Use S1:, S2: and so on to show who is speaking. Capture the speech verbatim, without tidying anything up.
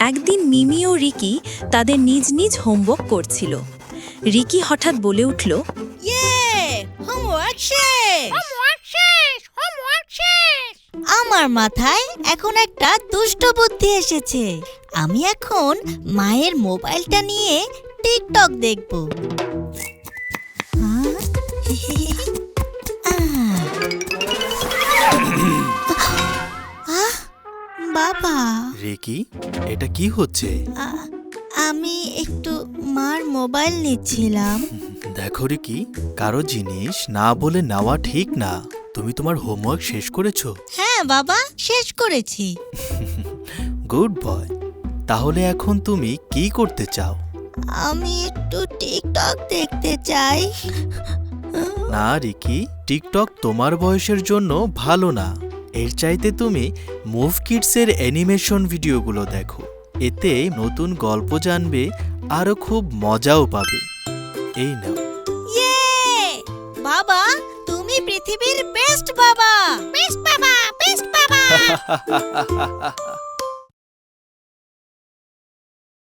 S1: একদিন মিমি ও রিকি তাদের নিজ নিজ হোমওয়ার্ক করছিল। রিকি হঠাৎ বলে উঠল,
S2: ইয়ে, হোমওয়ার্ক শেষ। আমার মাথায় এখন একটা দুষ্ট বুদ্ধি এসেছে। আমি এখন মায়ের মোবাইলটা নিয়ে টিকটক দেখব। হ্যাঁ? আহ, বাবা,
S3: রিকি, এটা কি হচ্ছে?
S2: আ- আমি একটু মার মোবাইল নিচ্ছিলাম।
S3: দেখো রিকি, কারো জিনিস না বলে নেওয়া ঠিক না। তুমি তোমার হোমওয়ার্ক শেষ করেছো?
S2: হ্যাঁ বাবা, শেষ করেছি।
S3: Good boy. তাহলে এখন তুমি কি করতে চাও?
S2: আমি একটু টিকটক দেখতে চাই।
S3: না রিকি, টিকটক তোমার বয়সের জন্য ভালো না। এর চাইতে তুমি মুভ কিডসের অ্যানিমেশন ভিডিওগুলো দেখো। এতে নতুন গল্প জানবে, আরও খুব মজাও পাবে। এই নাও।
S2: ইয়ে! বাবা, তুমি পৃথিবীর বেস্ট বাবা। বেস্ট বাবা, বেস্ট বাবা।